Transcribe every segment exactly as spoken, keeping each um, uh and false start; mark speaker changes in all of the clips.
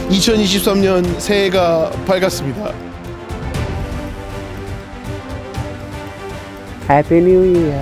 Speaker 1: 이천이십삼 년 새해가 밝았습니다.
Speaker 2: 해피 뉴 이어.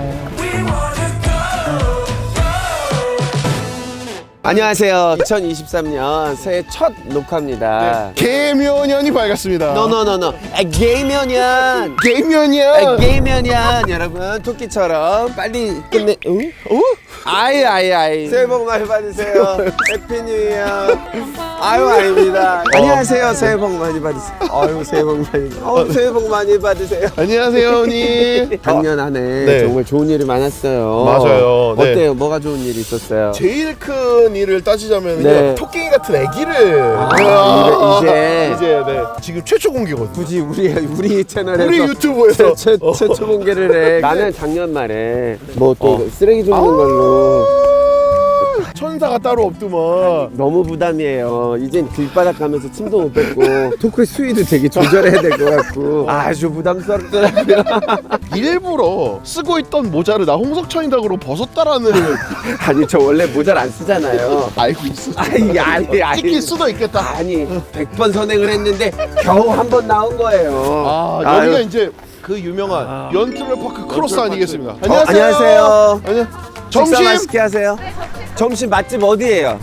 Speaker 2: 안녕하세요. 이천이십삼 년 새해 첫 녹화입니다.
Speaker 1: 개묘년이 밝았습니다.
Speaker 2: 노노노노. 게이면연.
Speaker 1: 개묘년.
Speaker 2: 게이면연. 여러분 토끼처럼 빨리 끝내. 응?
Speaker 1: 어?
Speaker 2: 아이 아이 아이. 새해 복 많이 받으세요. 해피 뉴 이어. 아유 아닙니다. 안녕하세요. 새해 복 많이 받으세요. 아유 새해 복 많이. 어 새해 복 많이 받으세요.
Speaker 1: 안녕하세요, 언니.
Speaker 2: 작년 한 해
Speaker 1: 네.
Speaker 2: 정말 좋은 일이 많았어요.
Speaker 1: 맞아요. 네.
Speaker 2: 어때요? 뭐가 좋은 일이 있었어요?
Speaker 1: 제일 큰 일을 따지자면
Speaker 2: 네.
Speaker 1: 토끼 같은 아기를
Speaker 2: 아, 이제-
Speaker 1: 이제 네. 지금 최초 공개거든요.
Speaker 2: 굳이 우리 우리 채널에서
Speaker 1: 우리 유튜브에서
Speaker 2: 최, 최,
Speaker 1: 어.
Speaker 2: 최초 공개를 해. 나는 작년 말에 뭐 또
Speaker 1: 어.
Speaker 2: 쓰레기 줍는 걸로
Speaker 1: 천사가 따로 없더만.
Speaker 2: 너무 부담이에요. 이젠 길바닥 가면서 침도 못 뱉고 토크 수위도 되게 조절해야 될 것 같고 아주 부담스럽더라고요.
Speaker 1: 일부러 쓰고 있던 모자를 나 홍석천이다그로 벗었다라는
Speaker 2: 아니 저 원래 모자를 안 쓰잖아요.
Speaker 1: 알고 있어.
Speaker 2: 아니 아니 아니
Speaker 1: 찍힐 수도 있겠다.
Speaker 2: 아니 백 번 선행을 했는데 겨우 한 번 나온 거예요.
Speaker 1: 아,
Speaker 2: 아유.
Speaker 1: 여기가 이제 그 유명한
Speaker 2: 아.
Speaker 1: 연트럴파크 크로스 아니겠습니까?
Speaker 2: 어, 안녕하세요.
Speaker 1: 안녕.
Speaker 2: 식사
Speaker 1: 점심.
Speaker 2: 맛있게 하세요. 점심 맛집 어디예요?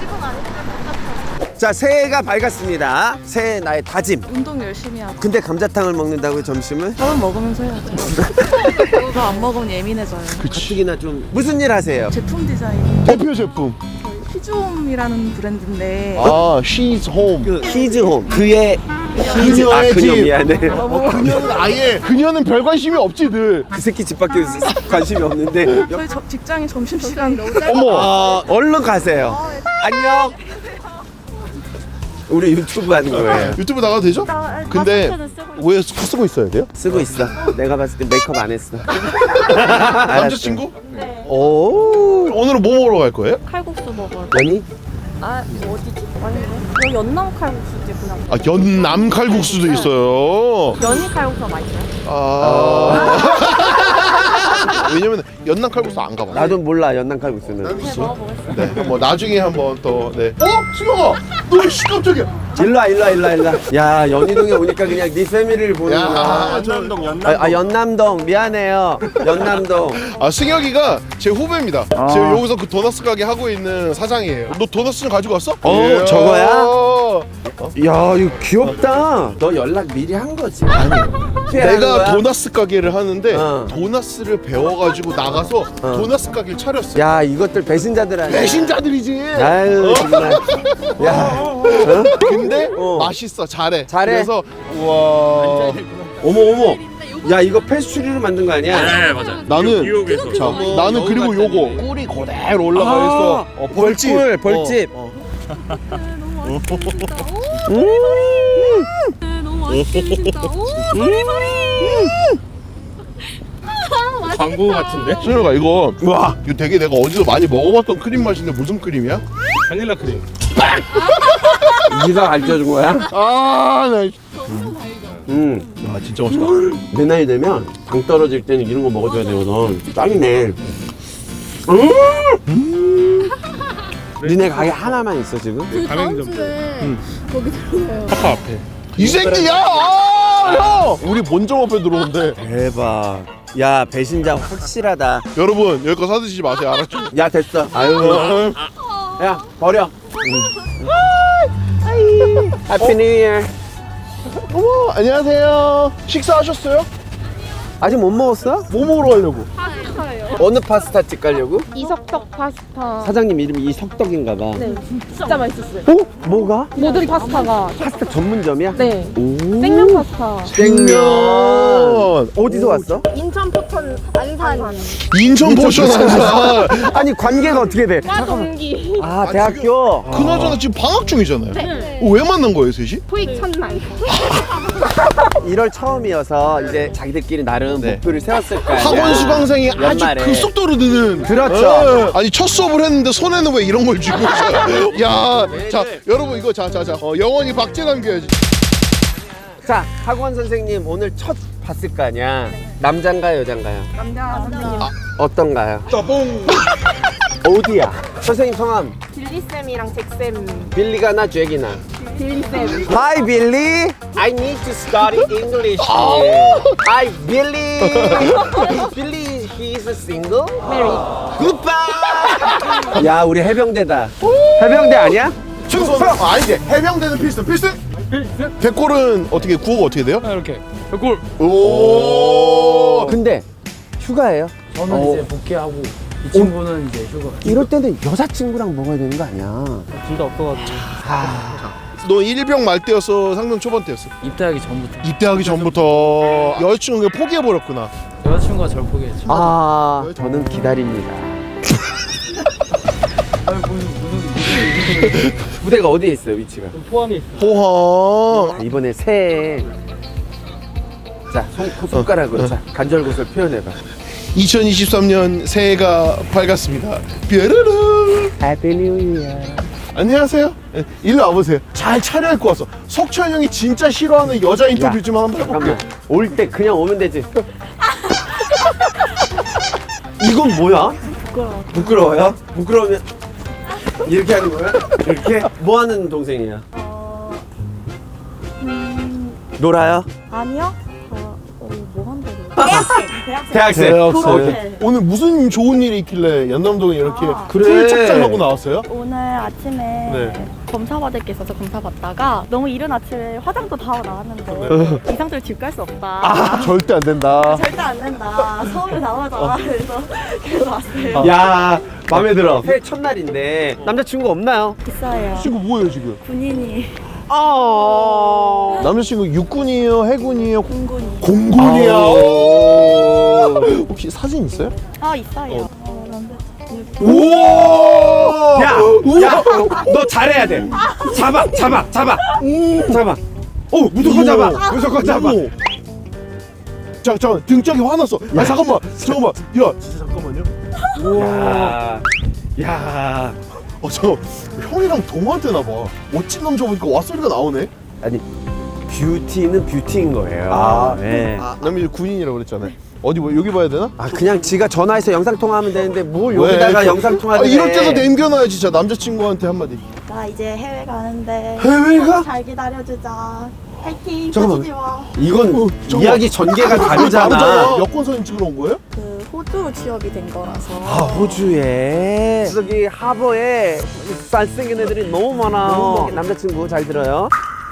Speaker 2: 자, 새해가 밝았습니다. 새해 나의 다짐.
Speaker 3: 운동 열심히 하고
Speaker 2: 근데 감자탕을 먹는다고요, 점심을?
Speaker 3: 밥은 먹으면서 해야죠. 그거 안 먹으면 예민해져요.
Speaker 2: 가뜩이나 좀 무슨 일 하세요?
Speaker 3: 제품 디자인
Speaker 1: 대표 제품.
Speaker 3: 히즈홈이라는 브랜드인데
Speaker 1: 아, She's Home.
Speaker 2: 그 히즈홈 그의 히즈 아
Speaker 1: 그녀의
Speaker 2: 그녀
Speaker 1: 집.
Speaker 2: 미안해.
Speaker 1: 어, 그녀는 아예 그녀는 별 관심이 없지 늘.
Speaker 2: 그 새끼 집밖에 관심이 없는데.
Speaker 3: 저희 저, 직장인 점심시간
Speaker 1: 어머.
Speaker 2: 어, 얼른 가세요. 안녕. 우리 유튜브 하는 거예요.
Speaker 1: 유튜브 나가도 되죠? 근데 왜 쓰고 있어야 돼요?
Speaker 2: 쓰고 있어. 내가 봤을 때 메이크업 안 했어.
Speaker 1: 남자친구?
Speaker 3: 네.
Speaker 2: 오.
Speaker 1: 오늘은 뭐 먹으러 갈 거예요?
Speaker 3: 칼국수 먹어요.
Speaker 2: 연이?
Speaker 3: 아 어디지? 아니네. 여기 연남 칼국수지 그냥.
Speaker 1: 아, 연남 칼국수도 있어요.
Speaker 3: 연희 칼국수가 맛있어요?
Speaker 1: 아. 왜냐면 연남 칼국수 안 가봐.
Speaker 2: 나도 몰라 연남 칼국수는.
Speaker 3: 네 먹어보겠습니다.
Speaker 1: 네, 뭐 나중에 한번 또 네. 어, 수영아, 너 씨, 깜짝이야.
Speaker 2: 일로와 일로와 일로와 일로와. 야 연희동에 오니까 그냥 네 패밀리를 보는구나.
Speaker 1: 야, 저,
Speaker 2: 아, 아 연남동 미안해요. 연남동.
Speaker 1: 아, 승혁이가 제 후배입니다.
Speaker 2: 아.
Speaker 1: 지금 여기서 그 도너스 가게 하고 있는 사장이에요. 너 도너스 좀 가지고 왔어?
Speaker 2: 어,
Speaker 1: 예.
Speaker 2: 저거야? 야 이거 귀엽다. 너 연락 미리 한 거지? 아니.
Speaker 1: 내가 도너스 가게를 하는데
Speaker 2: 어.
Speaker 1: 도너스를 배워가지고 나가서 도너스 가게를 차렸어.
Speaker 2: 야 이것들 배신자들 아니야.
Speaker 1: 배신자들이지.
Speaker 2: 아유 정말. 야. 어?
Speaker 1: 근데
Speaker 2: 어.
Speaker 1: 맛있어, 잘해.
Speaker 2: 잘해.
Speaker 1: 그래서 우와.
Speaker 2: 어머 어머. 야 이거 패스츄리로 만든 거 아니야?
Speaker 4: 네 맞아요.
Speaker 1: 나는
Speaker 4: 뉴욕에서
Speaker 1: 자,
Speaker 2: 어머,
Speaker 1: 나는
Speaker 2: 너무
Speaker 1: 그리고
Speaker 2: 맛있다,
Speaker 1: 요거
Speaker 2: 이게.
Speaker 1: 꿀이 그대로 올라가
Speaker 2: 아,
Speaker 1: 있어. 어, 벌집.
Speaker 2: 벌꿀, 벌집.
Speaker 1: 어, 어.
Speaker 3: 너무 맛있겠다. 오 머리머리.
Speaker 4: 광고 같은데?
Speaker 1: 수영아, 이거 와, 이거 되게 내가 어디서 많이 먹어봤던 크림 맛인데 무슨 크림이야?
Speaker 4: 바닐라 크림.
Speaker 2: 네가 가르쳐준 거야?
Speaker 1: 아, 나
Speaker 2: 응.
Speaker 1: 아, 진짜 맛있다.
Speaker 2: 내 나이 되면 당 떨어질 때는 이런 거 먹어줘야 되거든. 짱이네. 음. 니네 가게 하나만 있어 지금?
Speaker 4: 가맹점
Speaker 1: 파파 앞에. 이 새끼야! 아, 형! 우리 본점 앞에 들어온대.
Speaker 2: 대박. 야 배신자 확실하다.
Speaker 1: 여러분, 여기 거 사드시지 마세요, 알았죠?
Speaker 2: 야 됐어. 아유.
Speaker 1: 어,
Speaker 2: 야 버려. 해피 뉴 이어.
Speaker 1: 어머, 안녕하세요. 식사하셨어요?
Speaker 2: 아직 못 먹었어?
Speaker 1: 뭐 먹으러 가려고?
Speaker 2: 어느 파스타 집 가려고?
Speaker 5: 이석덕 파스타.
Speaker 2: 사장님 이름이 이석덕인가 봐.
Speaker 5: 네, 진짜 맛있었어요.
Speaker 2: 어? 뭐가?
Speaker 5: 모든 파스타가
Speaker 2: 파스타 전문점이야?
Speaker 5: 네,
Speaker 2: 오.
Speaker 5: 생면 파스타.
Speaker 1: 생면.
Speaker 2: 어디서 왔어?
Speaker 5: 인천 포천 안산.
Speaker 1: 인천 포션 한사.
Speaker 2: 아니 관계가 어떻게 돼?
Speaker 5: 과 동기.
Speaker 2: 아 대학교?
Speaker 1: 그나저나 지금 방학 중이잖아요.
Speaker 5: 네.
Speaker 1: 어, 왜 만난 거예요, 셋이?
Speaker 5: 토익 첫날.
Speaker 2: 일월 처음이어서 이제 자기들끼리 나름
Speaker 1: 네.
Speaker 2: 목표를 세웠을 거야.
Speaker 1: 학원 수강생이 아주
Speaker 2: 연말에.
Speaker 1: 급속도로 느는.
Speaker 2: 그렇죠.
Speaker 1: 예. 아니 첫 수업을 했는데 손에는 왜 이런 걸 쥐고 있어요? 야, 자 여러분 이거 자자자 어, 영원히 박제 남겨야지.
Speaker 2: 자 학원 선생님 오늘 첫 봤을 거 아니야. 남잔가요 여잔가요?
Speaker 5: 남자 선생님.
Speaker 2: 어떤가요?
Speaker 1: 따봉.
Speaker 2: 어디야? 선생님 성함
Speaker 5: 빌리 쌤이랑 잭 쌤.
Speaker 2: 빌리가나 잭이나?
Speaker 5: 빌리쌤.
Speaker 2: Hi Billy. I need to study English. Hi Billy. Billy, he is single.
Speaker 5: Married.
Speaker 2: Goodbye. 야, 우리 해병대다. 해병대 아니야?
Speaker 1: 충성. 아 이제 해병대는 필승 필승. 백골은 어떻게 구호가 어떻게 돼요?
Speaker 4: 아, 이렇게 백골.
Speaker 1: 오.
Speaker 2: 근데 휴가예요?
Speaker 6: 저는
Speaker 2: 어.
Speaker 6: 이제 복귀하고 이 친구는 이제 휴가.
Speaker 2: 이럴 때는 여자친구랑 먹어야 되는 거 아니야?
Speaker 6: 둘 다 없어가지고
Speaker 1: 너 일병 말 때였어? 상병 초반 때였어?
Speaker 6: 입대하기 전부터
Speaker 1: 입대하기 전부터 여자친구가 포기해 버렸구나.
Speaker 6: 여자친구가 절 포기했죠.
Speaker 2: 아, 저는 기다립니다.
Speaker 6: 아니 무슨 무슨 무슨
Speaker 2: 부대가 어디에 있어요, 위치가?
Speaker 6: 포함이 있어.
Speaker 1: 포항.
Speaker 2: 이번에 새해. 자, 손, 손가락으로 자, 간절곶을 표현해봐.
Speaker 1: 이천이십삼 년 새해가 밝았습니다. 뾰루루.
Speaker 2: Happy New Year.
Speaker 1: 안녕하세요. 예, 일로 와보세요. 잘 차려입고 왔어. 석천 형이 진짜 싫어하는 여자 인터뷰
Speaker 2: 야,
Speaker 1: 좀 한번 해볼게요.
Speaker 2: 잠깐만. 올 때 그냥 오면 되지. 이건 뭐야?
Speaker 5: 부끄러워.
Speaker 2: 부끄러워요? 부끄러우면 이렇게 하는 거야? 이렇게? 뭐 하는 동생이야?
Speaker 5: 어, 음,
Speaker 2: 놀아요?
Speaker 5: 아니요. 어, 어, 뭐 한다고? 대학생. 대학생.
Speaker 2: 대학생.
Speaker 5: 대학생.
Speaker 1: 오늘 무슨 좋은 일이 있길래 연남동에 이렇게
Speaker 5: 아.
Speaker 2: 그래.
Speaker 1: 풀 착장하고 나왔어요?
Speaker 5: 오늘 아침에
Speaker 1: 네.
Speaker 5: 검사 받을 게 있어서 검사 받다가 너무 이른 아침에 화장도 다 하고 나왔는데 이 상태로 집 갈 수 없다.
Speaker 1: 아, 절대 안 된다.
Speaker 5: 절대 안 된다. 서울에 나와자. 그래서 그래서 왔어요.
Speaker 2: 야, 마음에 들어. 새해 첫날인데 남자친구 없나요?
Speaker 5: 있어요.
Speaker 1: 친구 뭐예요 지금?
Speaker 5: 군인이
Speaker 2: 어.
Speaker 1: 남자친구 육군이에요? 해군이에요?
Speaker 5: 공군이.
Speaker 1: 공군이야.
Speaker 2: 아오.
Speaker 1: 혹시 사진 있어요?
Speaker 5: 아 있어요. 어, 남자.
Speaker 1: 우와!
Speaker 2: 야, 야, 너 잘해야 돼. 잡아, 잡아, 잡아, 잡아. 오, 무조건 잡아, 무조건 잡아.
Speaker 1: 어머. 자, 잠깐 등짝이 화났어. 아 잠깐만, 잠깐만. 야, 진짜 잠깐만요.
Speaker 2: 야, 야.
Speaker 1: 어, 저 형이랑 동화되나 봐. 멋진 남자 보니까 와 소리가 나오네.
Speaker 2: 아니, 뷰티는 뷰티인 거예요.
Speaker 1: 아,
Speaker 2: 네.
Speaker 1: 아, 남이 군인이라고 그랬잖아요. 어디 뭐 여기 봐야 되나?
Speaker 2: 아, 그냥 지가 전화해서 영상 통화하면 되는데 뭘
Speaker 1: 왜?
Speaker 2: 여기다가 영상 통화를
Speaker 1: 아, 이럴
Speaker 2: 해.
Speaker 1: 때도 남겨놔야지. 진짜 남자친구한테 한마디.
Speaker 5: 나 이제 해외 가는데
Speaker 1: 해외가?
Speaker 5: 잘 기다려주자. 파이팅.
Speaker 1: 잠깐만.
Speaker 5: 빠지지 마.
Speaker 2: 이건
Speaker 1: 어, 잠깐만.
Speaker 2: 이야기 전개가 다르잖아.
Speaker 1: 다르잖아. 여권 사진 찍으러 온 거예요?
Speaker 5: 그 호주로 취업이 된 거라서.
Speaker 2: 아, 호주에 저기 하버에 잘생긴 애들이 너무 많아. 남자친구 잘 들어요.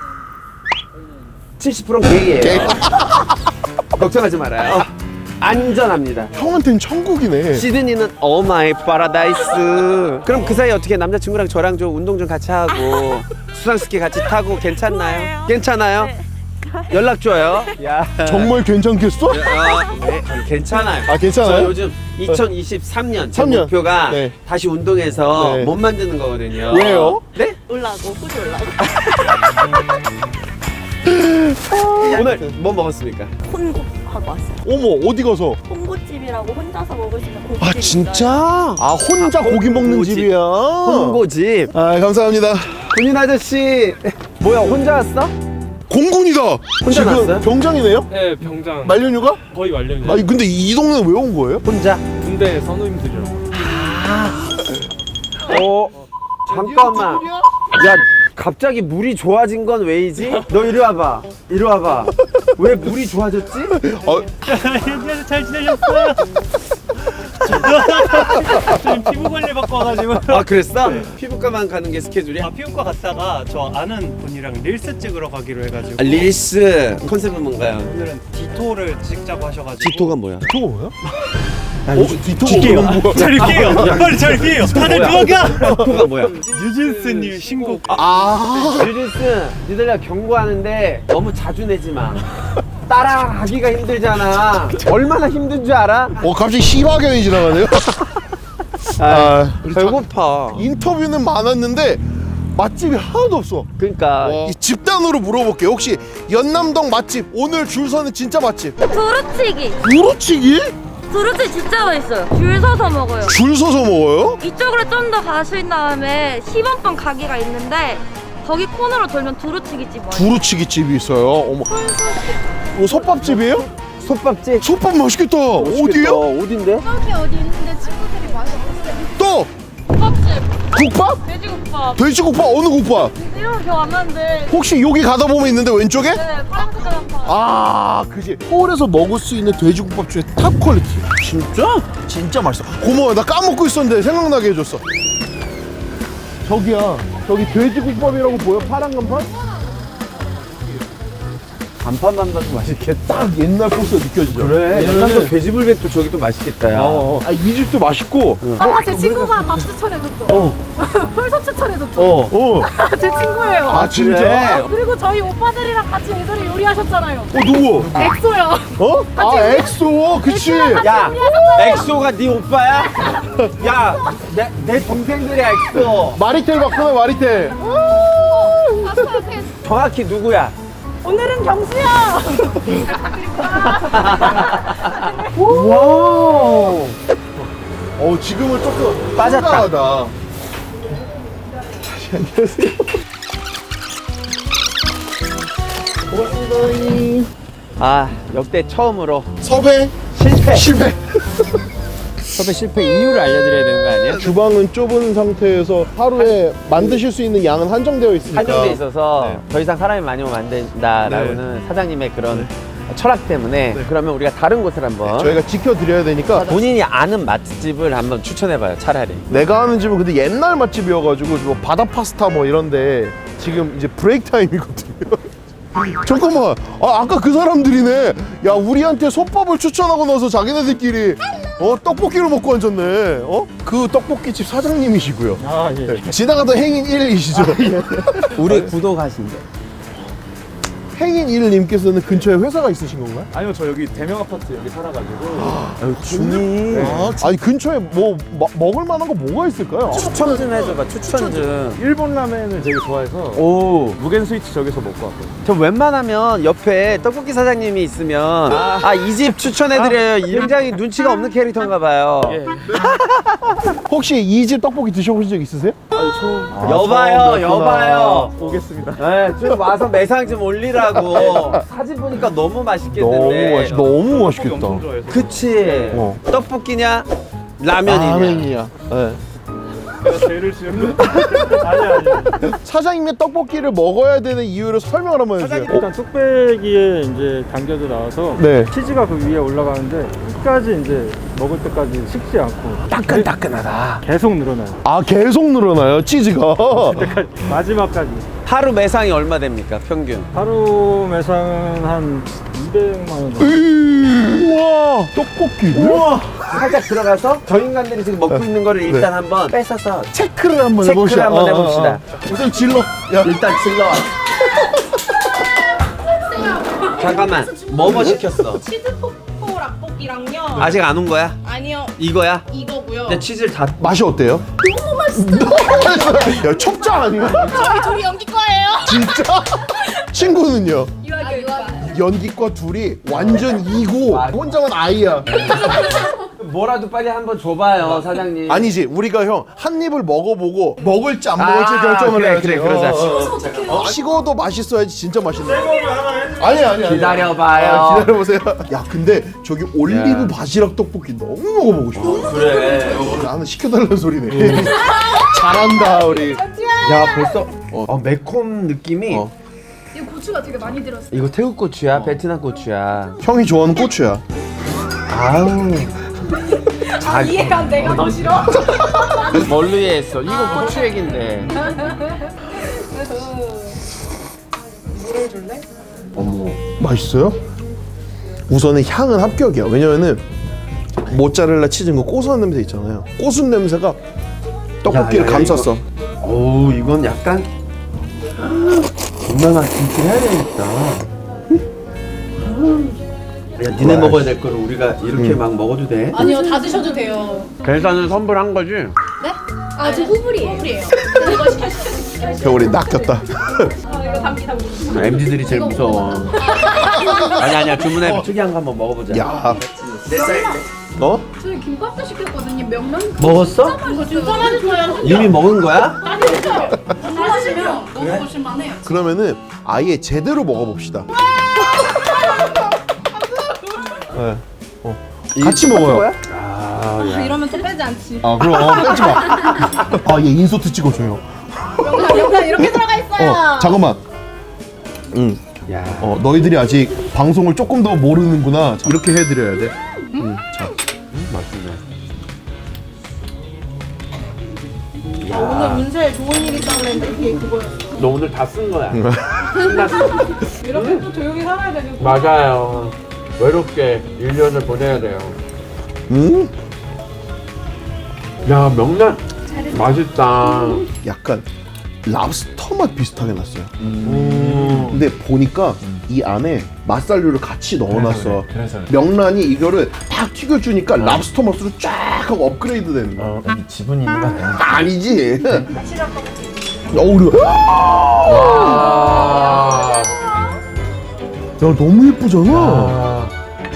Speaker 2: 칠십 퍼센트는 게이예요.
Speaker 1: 게이.
Speaker 2: 걱정하지 말아요. 안전합니다.
Speaker 1: 형한테는 천국이네.
Speaker 2: 시드니는 오 마이 파라다이스. 그럼 그 사이 어떻게 남자친구랑 저랑 좀 운동 좀 같이 하고 수상스키 같이 타고 괜찮나요?
Speaker 5: 좋아요.
Speaker 2: 괜찮아요?
Speaker 5: 네.
Speaker 2: 연락 줘요. 야.
Speaker 1: 정말 괜찮겠어?
Speaker 2: 아, 네, 괜찮아요.
Speaker 1: 아, 괜찮아요?
Speaker 2: 저 요즘 이천이십삼 년 제
Speaker 1: 삼 년.
Speaker 2: 목표가
Speaker 1: 네.
Speaker 2: 다시 운동해서
Speaker 1: 네.
Speaker 2: 몸 만드는 거거든요.
Speaker 1: 왜요?
Speaker 2: 네?
Speaker 5: 올라고 호주 올라고.
Speaker 2: 오늘 뭐 먹었습니까?
Speaker 5: 혼고 하고 왔어요.
Speaker 1: 어머, 어디 가서?
Speaker 5: 홍고집이라고 혼자서 먹을 수 있는 고깃집.
Speaker 1: 아, 진짜? 아, 혼자 고기 먹는
Speaker 2: 홍고집.
Speaker 1: 집이야.
Speaker 2: 홍고집.
Speaker 1: 아, 감사합니다.
Speaker 2: 군인 아저씨 뭐야 혼자 왔어?
Speaker 1: 공군이다.
Speaker 2: 혼자
Speaker 1: 지금
Speaker 2: 나왔어요?
Speaker 1: 병장이네요?
Speaker 4: 네, 병장.
Speaker 1: 말년휴가?
Speaker 4: 거의 완료입니다.
Speaker 1: 아니 근데 이 동네는 왜 온 거예요?
Speaker 2: 혼자?
Speaker 4: 군대 선우님들이라고.
Speaker 2: 어 잠깐만. 야 갑자기 물이 좋아진 건 왜이지? 너 이리 와봐. 이리 와봐. 왜 물이 좋아졌지?
Speaker 1: 어,
Speaker 7: 잘 지내셨어요? 지금 피부 관리 받고 와가지고.
Speaker 2: 아 그랬어? 피부과만 가는 게 스케줄이야?
Speaker 7: 아, 피부과 갔다가 저 아는 분이랑 릴스 찍으러 가기로 해가지고.
Speaker 2: 아, 릴스 컨셉은 뭔가요?
Speaker 7: 오늘은 디토를 찍자고 하셔가지고.
Speaker 2: 디토가 뭐야?
Speaker 1: 저거 뭐야?
Speaker 2: 아, 요즘
Speaker 1: 뒤통수 뭐야?
Speaker 7: 저릴게요. 빨리 저릴게요. 다들 도망가.
Speaker 2: 디토가 뭐야?
Speaker 7: 뉴진스님 신곡.
Speaker 2: 아 릴스 니들야 경고하는데 너무 자주 내지 마. 따라하기가 힘들잖아. 얼마나 힘든 줄 알아?
Speaker 1: 어 갑자기 시바견이 지나가네요? 아,
Speaker 2: 배고파.
Speaker 1: 인터뷰는 많았는데 맛집이 하나도 없어.
Speaker 2: 그러니까
Speaker 1: 이 집단으로 물어볼게요. 혹시 연남동 맛집 오늘 줄 서는 진짜 맛집?
Speaker 3: 두루치기.
Speaker 1: 두루치기?
Speaker 3: 두루치기 진짜 맛있어요. 줄 서서 먹어요.
Speaker 1: 줄 서서 먹어요?
Speaker 3: 이쪽으로 좀 더 가신 다음에 십 원권 가게가 있는데 거기 코너로 돌면 두루치기집 와요.
Speaker 1: 두루치기 집이 있어요. 어머. 이거 솥밥집이에요?
Speaker 2: 솥밥집.
Speaker 1: 솥밥 맛있겠다. 어디요?
Speaker 2: 어딘데?
Speaker 5: 여기 어디 있는데 친구들이 많이 없어요.
Speaker 1: 또!
Speaker 3: 솥밥집.
Speaker 1: 국밥?
Speaker 3: 돼지국밥.
Speaker 1: 돼지국밥 어느 국밥?
Speaker 3: 이름은 기억 안 나는데.
Speaker 1: 혹시 여기 가다 보면 있는데 왼쪽에?
Speaker 3: 네, 파란 색깔 한 판.
Speaker 1: 아, 그지. 서울에서 먹을 수 있는 돼지국밥 중에 탑 퀄리티. 진짜? 진짜 맛있어. 고마워. 나 까먹고 있었는데 생각나게 해줬어. 저기야. 저기 돼지국밥이라고 보여? 파란 간판?
Speaker 2: 간판만 봐도 맛있겠다.
Speaker 1: 딱 옛날 코스 느껴지죠?
Speaker 2: 그래. 약간 또 돼지불백도 저기 또 맛있겠다. 야.
Speaker 1: 어, 아, 이 집도 맛있고.
Speaker 5: 아, 제 친구가 밥 추천해줬어.
Speaker 1: 어.
Speaker 5: 펄서 추천해줬어.
Speaker 2: 어.
Speaker 1: 어.
Speaker 5: 제 친구예요.
Speaker 1: 아, 진짜?
Speaker 5: 그리고 저희 오빠들이랑 같이 예전에 요리하셨잖아요.
Speaker 1: 어, 누구?
Speaker 5: 엑소요.
Speaker 1: 어? 아, 엑소. 그치.
Speaker 2: 야, 엑소가 네 오빠야? 야, 내, 내 동생들이야, 엑소.
Speaker 1: 마리텔 봤구나, 마리텔.
Speaker 2: 정확히 누구야?
Speaker 5: 오늘은 경수야.
Speaker 1: 와우. 어, 지금은 조금
Speaker 2: 빠졌다.
Speaker 1: 한가하다. 다시 안녕하세요. 고맙습니다.
Speaker 2: 아, 역대 처음으로
Speaker 1: 섭외
Speaker 2: 실패.
Speaker 1: 실패.
Speaker 2: 섭외 실패 이유를 알려드려야 되는 거 아니야?
Speaker 1: 주방은 좁은 상태에서 하루에 만드실 수 있는 양은 한정되어 있으니까.
Speaker 2: 한정돼 있어서
Speaker 1: 네.
Speaker 2: 더 이상 사람이 많이 오면 안 된다라고는 사장님의 그런 철학 때문에 그러면 우리가 다른 곳을 한번
Speaker 1: 저희가 지켜드려야 되니까.
Speaker 2: 본인이 아는 맛집을 한번 추천해봐요, 차라리.
Speaker 1: 내가 아는 집은 근데 옛날 맛집이어가지고 뭐 바다 파스타 뭐 이런데 지금 이제 브레이크 타임이거든요. 잠깐만, 아, 아까 그 사람들이네. 야, 우리한테 솥밥을 추천하고 나서 자기네들끼리 어 떡볶이를 먹고 앉았네. 어? 그 떡볶이집 사장님이시고요.
Speaker 6: 아 예.
Speaker 1: 네. 지나가던 행인 일이시죠.
Speaker 2: 우리 구독하신대.
Speaker 1: 행인 일님께서는 근처에 회사가 있으신 건가요?
Speaker 4: 아니요, 저 여기 대명 아파트 여기 살아가지고.
Speaker 2: 준이
Speaker 1: 아, 아니 근처에 뭐 마- 먹을 만한 거 뭐가 있을까요?
Speaker 2: 추천 좀 해줘봐, 추천 좀.
Speaker 4: 일본 라멘을 되게 좋아해서
Speaker 2: 오,
Speaker 4: 무겐 스위치 저기서 먹고 왔거든요.
Speaker 2: 저 웬만하면 옆에 떡볶이 사장님이 있으면 아, 이 집 추천해드려요. 굉장히 눈치가 없는 캐릭터인가 봐요.
Speaker 4: 예.
Speaker 1: 혹시 이 집 떡볶이 드셔보신 적 있으세요?
Speaker 4: 아니, 처음
Speaker 2: 여봐요, 여봐요.
Speaker 4: 오겠습니다.
Speaker 2: 네, 좀 와서 매상 좀 올리라고. 사진 보니까 너무
Speaker 1: 너무
Speaker 2: 맛있겠는데.
Speaker 1: 맛있, 너무 맛있겠다.
Speaker 4: 엄청 좋아해서.
Speaker 2: 그치.
Speaker 1: 어.
Speaker 2: 떡볶이냐, 라면이냐.
Speaker 1: 라면이야. 네.
Speaker 4: 내가 죄를 지은 거. 아니 아니.
Speaker 1: 사장님의 떡볶이를 먹어야 되는 이유를 설명을 한번 해주세요.
Speaker 4: 일단 뚝배기에 이제 담겨져 나와서
Speaker 1: 네.
Speaker 4: 치즈가 그 위에 올라가는데 끝까지 이제 먹을 때까지 식지 않고
Speaker 2: 따끈따끈하다.
Speaker 4: 계속 늘어나요.
Speaker 1: 아, 계속 늘어나요, 치즈가.
Speaker 4: 마지막까지.
Speaker 2: 하루 매상이 얼마 됩니까, 평균?
Speaker 4: 하루 매상은 한 이백만 원 정도.
Speaker 1: 우와, 떡볶이. 우와.
Speaker 2: 살짝 들어가서 저 인간들이 지금 먹고 있는 거를 일단 한번 뺏어서
Speaker 1: 체크를 한번
Speaker 2: 체크를
Speaker 1: 해봅시다.
Speaker 2: 한번
Speaker 1: 어, 어,
Speaker 2: 해봅시다.
Speaker 1: 어. 우선 질러. 야,
Speaker 2: 일단 질러. 잠깐만, 뭐뭐 시켰어?
Speaker 8: 치즈 포포 락볶이랑요.
Speaker 2: 아직 안 온 거야?
Speaker 8: 아니요,
Speaker 2: 이거야?
Speaker 8: 이거고요.
Speaker 2: 근데 치즈를 다
Speaker 1: 맛이 어때요?
Speaker 8: 너무 맛있어요.
Speaker 1: 야, 첩자 아니야?
Speaker 8: 저희 둘이 연기 거예요.
Speaker 1: 진짜? 친구는요?
Speaker 8: 유아교 유아.
Speaker 1: 연기과 둘이 완전 이고 혼자만 아이야.
Speaker 2: 뭐라도 빨리 한번 줘봐요, 사장님.
Speaker 1: 아니지, 우리가 형 한 입을 먹어보고 먹을지 안 먹을지
Speaker 2: 아,
Speaker 1: 결정을
Speaker 2: 그래,
Speaker 1: 해야지.
Speaker 2: 그래, 그러자.
Speaker 1: 어, 어, 식어도 맛있어야지 진짜 맛있네. 아니 아니 아니.
Speaker 2: 기다려봐요.
Speaker 1: 아, 기다려보세요. 야, 근데 저기 올리브 바지락 떡볶이 너무 먹어보고 싶어.
Speaker 2: 그래.
Speaker 1: 나는 시켜달라는 소리네. 잘한다 우리.
Speaker 2: 야, 벌써 어, 매콤 느낌이.
Speaker 1: 어.
Speaker 8: 이 고추가 되게 많이 들었어요.
Speaker 2: 이거 태국 고추야, 베트남 고추야.
Speaker 1: 형이 좋아하는 고추야.
Speaker 2: 아우. 아,
Speaker 8: 이해가 안 내가 더 싫어.
Speaker 2: 뭘로 이해했어? 이거 고추 얘긴데.
Speaker 1: 어머, 맛있어요? 우선은 향은 합격이야. 왜냐면은 모짜렐라 치즈인 거 고소한 냄새 있잖아요. 고순 냄새가 떡볶이를
Speaker 2: 야, 야,
Speaker 1: 감쌌어.
Speaker 2: 오, 이건 약간 건강한 김치를 해야 되겠다. 야, 니네
Speaker 1: 와,
Speaker 2: 먹어야 될 거를 우리가 이렇게 막 먹어도 돼?
Speaker 8: 아니요, 다 드셔도 돼요.
Speaker 2: 계산은 선불한 거지?
Speaker 8: 네? 아, 저 후불이에요. 후불이에요. 이거 시켜 시켜 시켜.
Speaker 1: 겨울이 낚였다.
Speaker 8: 아, 이거 담기 담기.
Speaker 2: 엠지들이 제일 무서워. 아니 아니야, 주문해. 특이한 거 한번 먹어보자.
Speaker 1: 야,
Speaker 2: 내 쌀.
Speaker 1: 어?
Speaker 8: 저희 김밥도 시켰거든요. 명란.
Speaker 2: 먹었어?
Speaker 8: 이거 진짜 맛있어요.
Speaker 2: 이미 먹은 거야?
Speaker 8: 맛있어요. 맛있으면 먹어보실 만해요.
Speaker 1: 그러면은 아예 제대로 먹어봅시다. 네. 어. 같이 먹어요.
Speaker 2: 아, 야.
Speaker 8: 이러면 또 빼지 않지.
Speaker 1: 아 그럼 어, 빼지 마. 아 얘 인서트 찍어줘요.
Speaker 8: 영상 영상 이렇게 들어가 있어요.
Speaker 1: 어 잠깐만. 응.
Speaker 2: 야.
Speaker 1: 어 너희들이 아직 방송을 조금 더 모르는구나. 자, 이렇게 해드려야 돼. 응. 자.
Speaker 2: 음, 맛있네.
Speaker 8: 오늘 운세 좋은 일 있다고 그랬는데 이게 그거였어.
Speaker 2: 너 오늘 다 쓴 거야.
Speaker 8: 이렇게 또 조용히 살아야 되는 거.
Speaker 2: 맞아요. 외롭게 일 년을 보내야 돼요.
Speaker 1: 응?
Speaker 2: 야, 명란 맛있다.
Speaker 1: 약간 랍스터 맛 비슷하게 났어요.
Speaker 2: 음.
Speaker 1: 근데 보니까 이 안에 맛살류를 같이 넣어놨어.
Speaker 2: 그래서
Speaker 1: 명란이 이거를 딱 튀겨주니까 랍스터 맛으로 쫙 하고 업그레이드 되는 거야.
Speaker 2: 어, 여기 지분이 있는 거 아니야?
Speaker 1: 아니지. 어우려.
Speaker 2: 와.
Speaker 1: 야 너무 예쁘잖아.
Speaker 2: 아.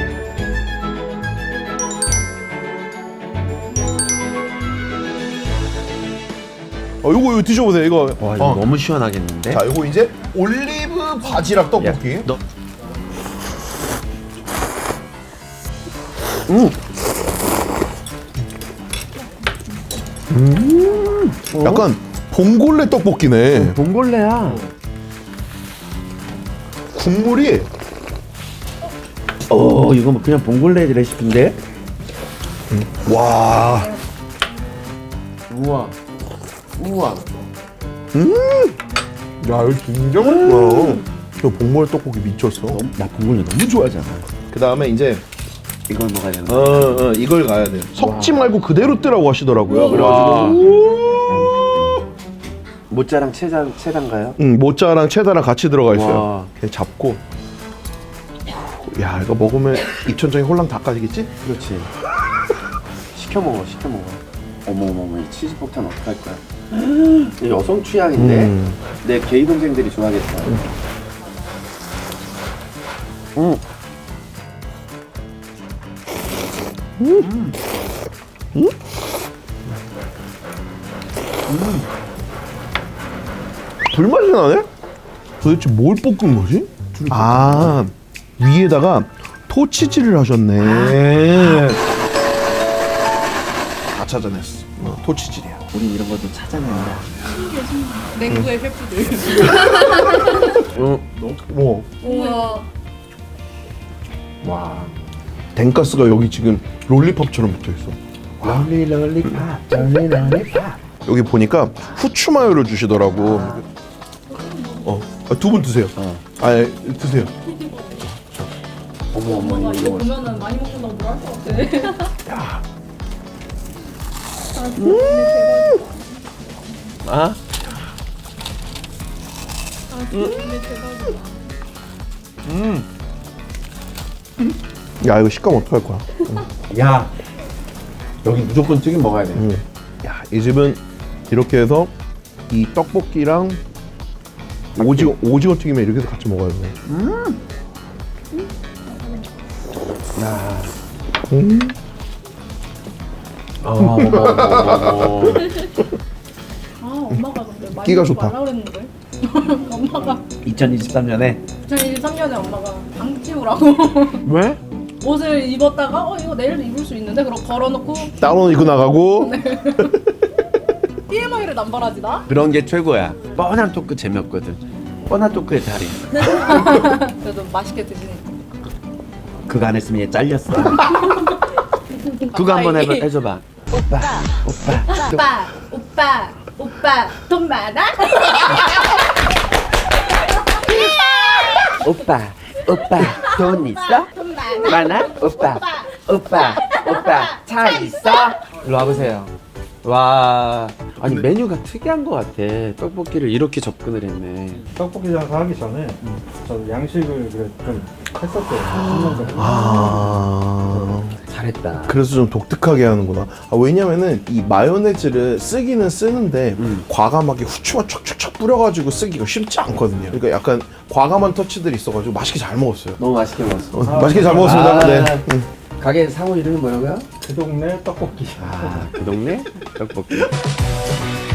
Speaker 1: 어 이거 이거 드셔보세요. 이거.
Speaker 2: 와, 이거
Speaker 1: 어.
Speaker 2: 너무 시원하겠는데?
Speaker 1: 자 이거 이제 올리브 바지락 떡볶이.
Speaker 2: 야, 너
Speaker 1: 음. 음. 약간 봉골레 떡볶이네.
Speaker 2: 봉골레야.
Speaker 1: 국물이
Speaker 2: 어, 이거 뭐 그냥 봉골레 레시피인데?
Speaker 1: 와.
Speaker 2: 우와. 우와.
Speaker 1: 음. 야 이거 진짜 맛있다. 저 봉골레 떡볶이 미쳤어.
Speaker 2: 나 봉골레 너무 좋아하잖아.
Speaker 1: 그 다음에 이제
Speaker 2: 이걸 먹어야 되는
Speaker 1: 어, 어 이걸 가야 돼. 섞지 말고 그대로 뜨라고 하시더라고요.
Speaker 2: 와.
Speaker 1: 그래가지고
Speaker 2: 모짜랑 체장 체장가요?
Speaker 1: 응 모짜랑 체다랑 같이 들어가 있어요.
Speaker 2: 와.
Speaker 1: 그냥 잡고. 야 이거 먹으면 입천장이 홀랑 닦아지겠지?
Speaker 2: 그렇지. 시켜 먹어, 시켜 먹어. 어머 어머 어머, 이 치즈 폭탄 어떡할 거야? 이 여성 취향인데
Speaker 1: 음.
Speaker 2: 내 게이 동생들이 좋아하겠다. 음. 음.
Speaker 1: 음. 음. 불맛이 나네? 도대체 뭘 볶은 거지? 아 위에다가 토치질을 하셨네. 다 찾아냈어. 어, 토치질이야.
Speaker 2: 우리 이런 것도 찾아낸다.
Speaker 8: 냉구의 셰프들.
Speaker 1: 어, 뭐
Speaker 8: 우와.
Speaker 2: 와.
Speaker 1: 덴가스가 여기 지금 롤리팝처럼 붙어 있어.
Speaker 2: 롤리 롤리팝, 롤리 롤리팝.
Speaker 1: 여기 보니까 후추 마요를 주시더라고. 어, 두 분 드세요.
Speaker 2: 어.
Speaker 1: 아, 예, 드세요.
Speaker 2: 어머 어머
Speaker 8: 엄마가 이거
Speaker 2: 이거.
Speaker 8: 보면은 많이 먹는다고 뭐라 할 것 같아.
Speaker 2: 아?
Speaker 1: 야, 이거 식감 어떡할 거야?
Speaker 2: 야. 여기 무조건 튀김 먹어야 돼.
Speaker 1: 음. 야, 이 집은 이렇게 해서 이 떡볶이랑 오징어 오징어 튀김에 이렇게 해서 같이 먹어야 돼.
Speaker 2: 야.
Speaker 1: 음.
Speaker 2: 아, 어머 어머 어머.
Speaker 8: 아 엄마가 근데 많이
Speaker 1: 끼가
Speaker 8: 먹지
Speaker 1: 좋다.
Speaker 8: 말라 그랬는데. 엄마가
Speaker 2: 이천이십삼 년에
Speaker 8: 이천이십삼 년에 엄마가 방 치우라고
Speaker 2: 왜?
Speaker 8: 옷을 입었다가 어 이거 내일도 입을 수 있는데 그럼 걸어놓고
Speaker 1: 다운 입고 나가고.
Speaker 8: 티엠아이를 남발하지 나?
Speaker 2: 그런 게 최고야. 뻔한 토크 재미없거든. 뻔한 토크의 달인.
Speaker 8: 그래도 맛있게 드시니까.
Speaker 2: 그거 안 했으면 얘 잘렸어. 그거 한번 해봐, 해줘봐. 오빠, 오빠,
Speaker 8: 오빠 오빠 오빠 돈 많아?
Speaker 2: 오빠, 오빠, 돈 있어?
Speaker 8: 돈 많아?
Speaker 2: 많아? 오빠, 오빠, 오빠, 차 있어? 일로 와보세요. 와, 아니 메뉴가 특이한 것 같아. 떡볶이를 이렇게 접근을 했네.
Speaker 4: 떡볶이 장사 하기 전에 저는 양식을 그래 좀 했었어요. 십 년 전에.
Speaker 1: 아.
Speaker 2: 잘했다.
Speaker 1: 그래서 좀 독특하게 하는구나. 아, 왜냐면은 이 마요네즈를 쓰기는 쓰는데
Speaker 2: 음.
Speaker 1: 과감하게 후추만 촥촥촥 뿌려가지고 쓰기가 쉽지 않거든요. 그러니까 약간 과감한 터치들이 있어가지고 맛있게 잘 먹었어요.
Speaker 2: 너무 맛있게 먹었어.
Speaker 1: 어, 맛있게 잘 먹었습니다.
Speaker 2: 아.
Speaker 1: 네. 음.
Speaker 2: 가게 상호 이름이 뭐라고요?
Speaker 4: 그 동네 떡볶이.
Speaker 2: 아, 그 동네 떡볶이.